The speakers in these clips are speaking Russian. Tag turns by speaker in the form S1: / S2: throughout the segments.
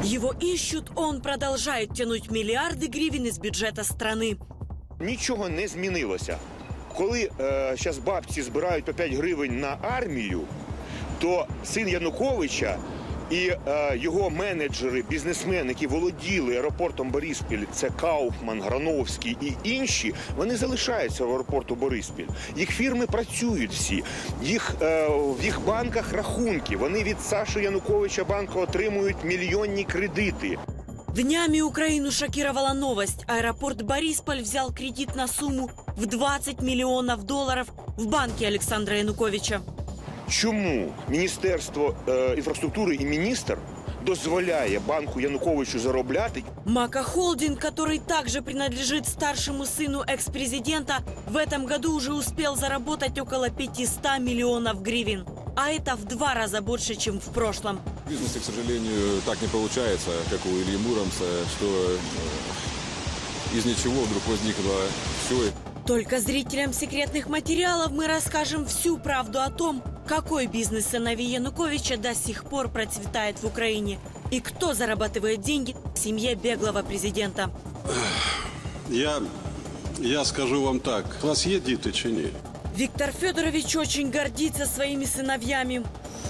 S1: Его ищут, он продолжает тянуть миллиарды гривен из бюджета страны.
S2: Нічого не змінилося. Коли зараз бабці збирають по 5 гривень на армію, то син Януковича і його менеджери, бізнесмени, які володіли аеропортом Бориспіль, це Кауфман, Грановський і інші, вони залишаються в аеропорту Бориспіль. Їх фірми працюють всі, в їх банках рахунки. Вони від Саши Януковича банку отримують мільйонні кредити.
S1: Днями Украину шокировала новость. Аэропорт Борисполь взял кредит на сумму в 20 миллионов долларов в банке Александра Януковича.
S2: Чому Міністерство інфраструктури і міністр дозволяє банку Януковичу заробляти?
S1: Мака Холдинг, который также принадлежит старшему сыну экс-президента, в этом году уже успел заработать около 500 миллионов гривен. А это в 2 раза больше, чем в прошлом.
S3: В бизнесе, к сожалению, так не получается, как у Ильи Муромца, что из ничего вдруг возникло все.
S1: Только зрителям секретных материалов мы расскажем всю правду о том, какой бизнес сыновей Януковича до сих пор процветает в Украине и кто зарабатывает деньги в семье беглого президента.
S4: Я скажу вам так, у вас есть дети чи ні?
S1: Виктор Федорович очень гордится своими сыновьями.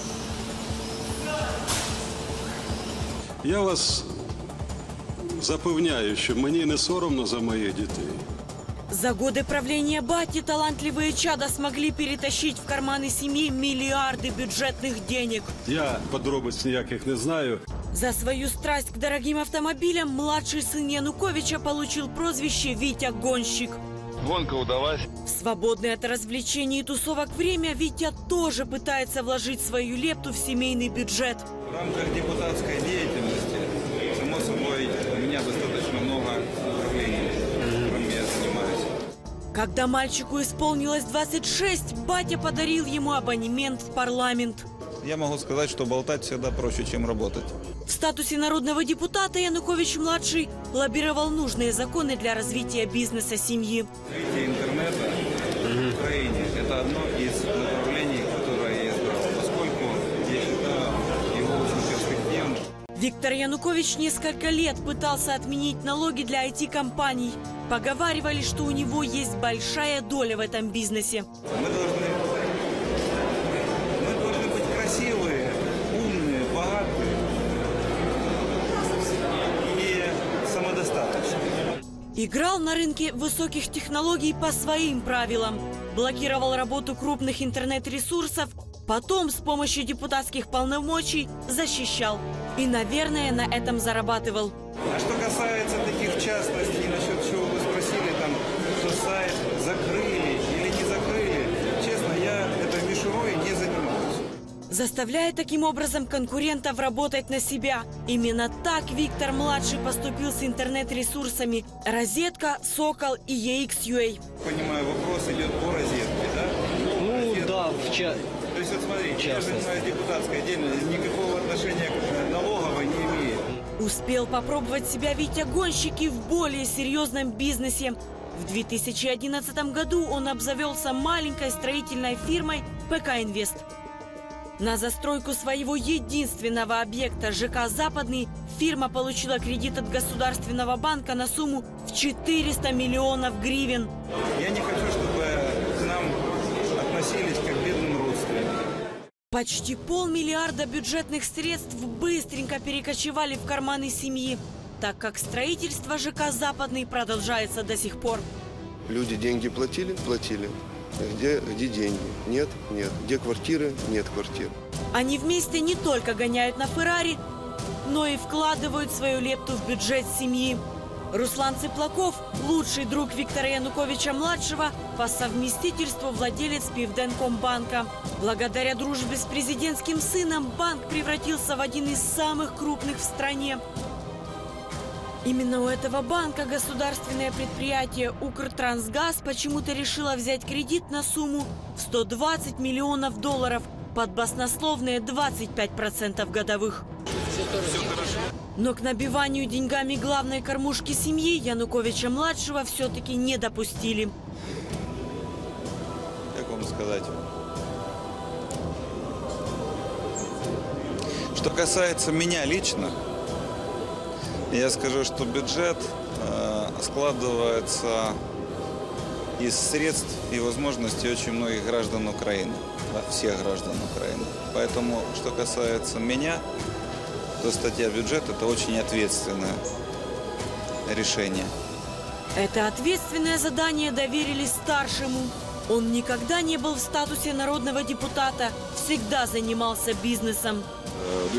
S4: Я вас запевняю, що мені не соромно за моїх дітей.
S1: За годы правления бати талантливые чада смогли перетащить в карманы семьи миллиарды бюджетных денег.
S4: Я подробиць ніяких не знаю.
S1: За свою страсть к дорогим автомобилям младший сын Януковича получил прозвище «Витя Гонщик».
S5: Гонка удалась.
S1: В свободное от развлечений и тусовок время Витя тоже пытается вложить свою лепту в семейный бюджет.
S6: В рамках депутатской деятельности, само собой, у меня достаточно много направлений, которым я занимаюсь.
S1: Когда мальчику исполнилось 26, батя подарил ему абонемент в парламент.
S6: Я могу сказать, что болтать всегда проще, чем работать.
S1: В статусе народного депутата Янукович-младший лоббировал нужные законы для развития бизнеса семьи.
S6: Развитие интернета в Украине – это одно из направлений, которое я избрал, поскольку я считаю его очень перспективным.
S1: Виктор Янукович несколько лет пытался отменить налоги для IT-компаний. Поговаривали, что у него есть большая доля в этом бизнесе.
S6: Мы должны быть красивые, умные, богатые и самодостаточные.
S1: Играл на рынке высоких технологий по своим правилам. Блокировал работу крупных интернет-ресурсов. Потом с помощью депутатских полномочий защищал. И, наверное, на этом зарабатывал.
S6: А что касается таких частностей, насчет чего вы спросили, там, что сайт закрыли или не закрыли, честно, я этой мишурой не занимаюсь.
S1: Заставляя таким образом конкурентов работать на себя. Именно так Виктор-младший поступил с интернет-ресурсами «Розетка», «Сокол» и EX.ua.
S6: Понимаю, вопрос идет по розетке, да?
S7: Ну,
S6: Розетка.
S7: да,
S6: То есть, вот смотрите, я занимаюсь депутатской деятельностью, никакого отношения к налоговой не имеет.
S1: Успел попробовать себя Витя Гонщик и в более серьезном бизнесе. В 2011 году он обзавелся маленькой строительной фирмой «ПК Инвест». На застройку своего единственного объекта ЖК «Западный» фирма получила кредит от Государственного банка на сумму в 400 миллионов гривен.
S6: Я не хочу, чтобы к нам относились как к бедным родственникам.
S1: Почти 500 миллиарда бюджетных средств быстренько перекочевали в карманы семьи, так как строительство ЖК «Западный» продолжается до сих пор.
S8: Люди деньги платили? Платили. Где деньги? Нет? Нет. Где квартиры? Нет квартир.
S1: Они вместе не только гоняют на «Феррари», но и вкладывают свою лепту в бюджет семьи. Руслан Цыплаков – лучший друг Виктора Януковича-младшего, по совместительству владелец Пивденкомбанка. Благодаря дружбе с президентским сыном банк превратился в один из самых крупных в стране. Именно у этого банка государственное предприятие «Укртрансгаз» почему-то решило взять кредит на сумму в 120 миллионов долларов под баснословные 25% годовых. Но к набиванию деньгами главной кормушки семьи Януковича-младшего все-таки не допустили.
S6: Как вам сказать? Что касается меня лично,
S5: Я скажу, что бюджет складывается из средств и возможностей очень многих граждан Украины, да, всех граждан Украины. Поэтому, что касается меня, то статья бюджета – это очень ответственное решение.
S1: Это ответственное задание доверили старшему. Он никогда не был в статусе народного депутата, всегда занимался бизнесом.
S3: В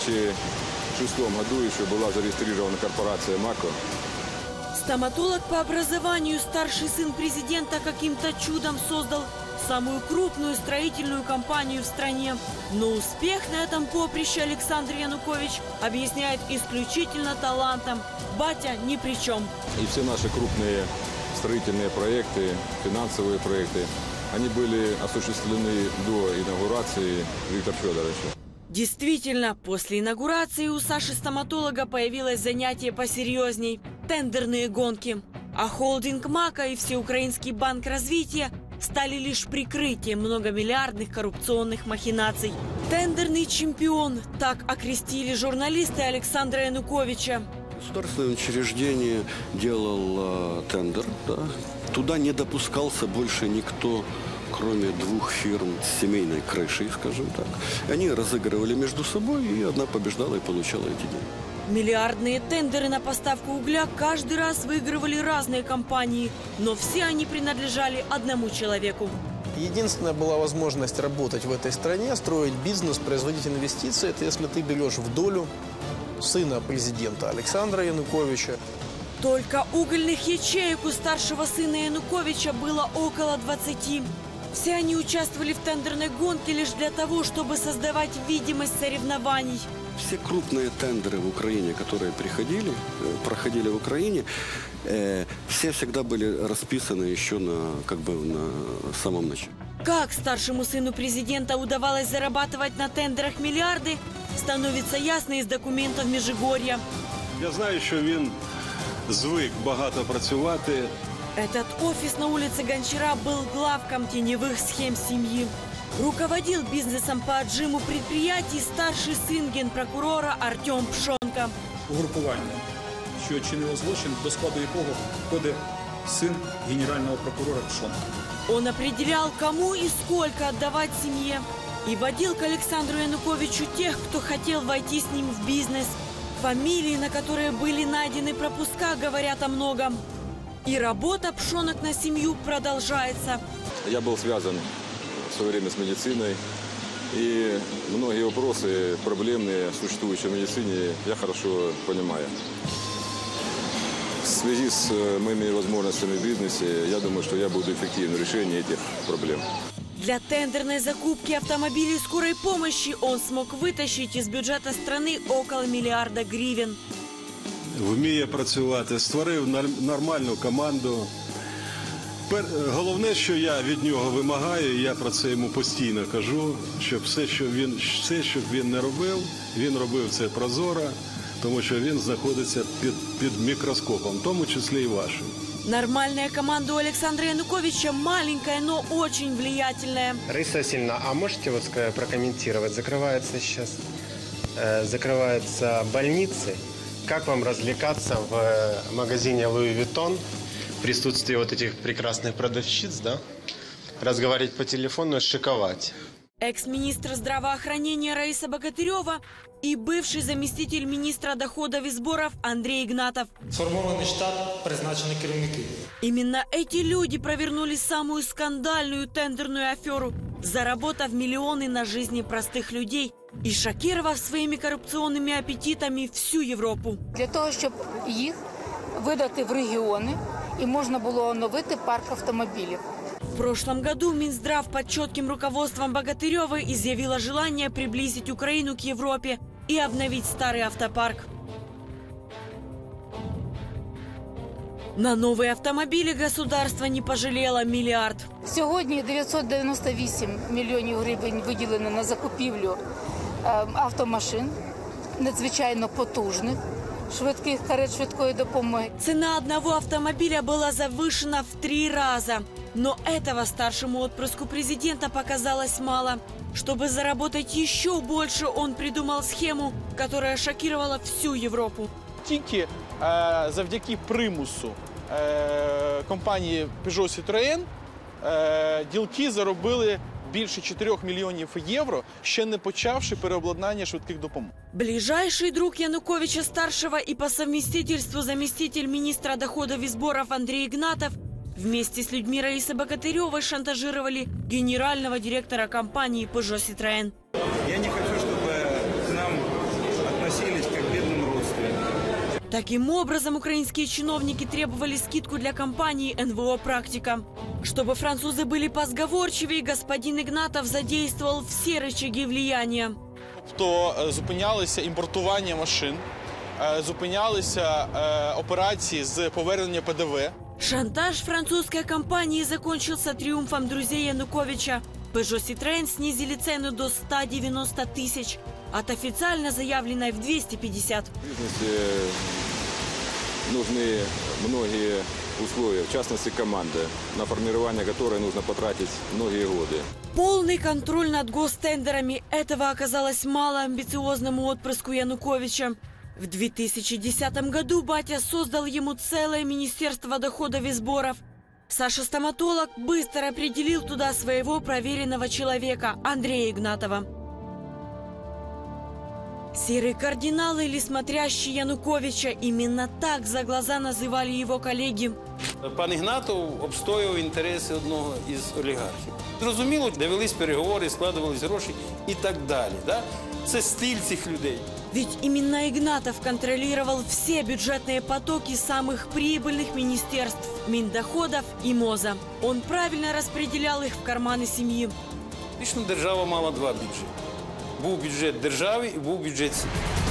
S3: 2006 году еще была зарегистрирована корпорация «Мако».
S1: Стоматолог по образованию, старший сын президента каким-то чудом создал самую крупную строительную компанию в стране. Но успех на этом поприще Александр Янукович объясняет исключительно талантом. Батя ни при чем.
S3: И все наши крупные строительные проекты, финансовые проекты, они были осуществлены до инаугурации Виктора Федоровича.
S1: Действительно, после инаугурации у Саши-стоматолога появилось занятие посерьезней – тендерные гонки. А холдинг «Мако» и Всеукраинский банк развития стали лишь прикрытием многомиллиардных коррупционных махинаций. Тендерный чемпион – так окрестили журналисты Александра Януковича.
S7: Государственное учреждение делал тендер, да. Туда не допускался больше никто, кроме двух фирм с семейной крышей, скажем так. Они разыгрывали между собой, и одна побеждала и получала эти деньги.
S1: Миллиардные тендеры на поставку угля каждый раз выигрывали разные компании, но все они принадлежали одному человеку.
S9: Единственная была возможность работать в этой стране, строить бизнес, производить инвестиции, это если ты берешь в долю сына президента Александра Януковича.
S1: Только угольных ячеек у старшего сына Януковича было около 20. Все они участвовали в тендерной гонке лишь для того, чтобы создавать видимость соревнований.
S7: Все крупные тендеры в Украине, которые проходили в Украине, все всегда были расписаны еще на самом начале.
S1: Как старшему сыну президента удавалось зарабатывать на тендерах миллиарды, становится ясно из документов Межигорья.
S4: Я знаю, що він звик багато працювати.
S1: Этот офис на улице Гончара был главком теневых схем семьи. Руководил бизнесом по отжиму предприятий старший сын генпрокурора Артем Пшонка.
S10: Угрупування, що чинило злочин, до складу якого входить сын генерального прокурора Пшонка.
S1: Он определял, кому и сколько отдавать семье. И водил к Александру Януковичу тех, кто хотел войти с ним в бизнес. Фамилии, на которые были найдены пропуска, говорят о многом. И работа Пшонок на семью продолжается.
S3: Я был связан в свое время с медициной. И многие вопросы проблемные, существующие в медицине, я хорошо понимаю. В связи с моими возможностями в бизнесе, я думаю, что я буду эффективным в решении этих проблем.
S1: Для тендерной закупки автомобилей скорой помощи он смог вытащить из бюджета страны около миллиарда гривен.
S4: Вміє працювати, створив нормальну команду. Головне, що я від нього вимагаю, і я про це йому постійно кажу, щоб все, що він не робив, він робив це прозоро, тому що він знаходиться під мікроскопом, в тому числі і вашим.
S1: Нормальная команда у Александра Януковича маленькая, но очень влиятельная.
S11: Раиса Васильевна, а можете прокомментировать? Закрываются больницы. Как вам развлекаться в магазине Луи Виттон в присутствии вот этих прекрасных продавщиц, да? Разговаривать по телефону и шиковать.
S1: Экс-министр здравоохранения Раиса Богатырева и бывший заместитель министра доходов и сборов Андрей Игнатов.
S10: Сформований штат, призначені керівники.
S1: Именно эти люди провернули самую скандальную тендерную аферу, заработав миллионы на жизни простых людей и шокировав своими коррупционными аппетитами всю Європу.
S12: Для того, щоб їх видати в регіони і можна було оновити парк автомобілів.
S1: В прошлом году Минздрав под четким руководством Богатыревой изъявила желание приблизить Украину к Европе и обновить старый автопарк. На новые автомобили государство не пожалело миллиард.
S12: Сьогодні 998 мільйонів гривень виділено на закупівлю автомашин, надзвичайно потужних, швидких карет швидкої допомоги.
S1: Цена одного автомобиля была завышена в 3 раза. Но этого старшему отпрыску президента показалось мало. Чтобы заработать еще больше, он придумал схему, которая шокировала всю Европу.
S9: тільки завдяки примусу компанії Peugeot Citroën ділки заробили більше 4 мільйонів євро, ще не почавши переобладнання швидких допомог.
S1: Ближайший друг Януковича-старшего и по совместительству заместитель министра доходов и сборов Андрей Игнатов вместе с людьми Раисы Богатыревой шантажировали генерального директора компании Peugeot Citroën.
S6: Я не хочу, чтобы к нам относились как к бедным родственникам.
S1: Таким образом, украинские чиновники требовали скидку для компании НВО «Практика». Чтобы французы были позговорчивее, господин Игнатов задействовал все рычаги влияния.
S9: То зупинялися імпортування машин, зупинялися операції з повернення ПДВ.
S1: Шантаж французской компании закончился триумфом друзей Януковича. Peugeot Citroën снизили цену до 190 тысяч, от официально заявленной в 250.
S3: В бизнесе нужны многие условия, в частности команда, на формирование которой нужно потратить многие годы.
S1: Полный контроль над гостендерами – этого оказалось мало амбициозному отпрыску Януковича. В 2010 году батя создал ему целое министерство доходов и сборов. Саша-стоматолог быстро определил туда своего проверенного человека Андрея Игнатова. Серый кардинал или смотрящий Януковича – именно так за глаза называли его коллеги.
S13: Пан Ігнатов обстоював інтереси одного із олігархів. Зрозуміло, де велись переговори, складувались гроші і так далі. Да? Це стиль цих людей.
S1: Ведь именно Игнатов контролировал все бюджетные потоки самых прибыльных министерств – Миндоходов и МОЗа. Он правильно распределял их в карманы семьи.
S13: Фактично держава мала два бюджети. Був бюджет держави і був бюджет сім'ї.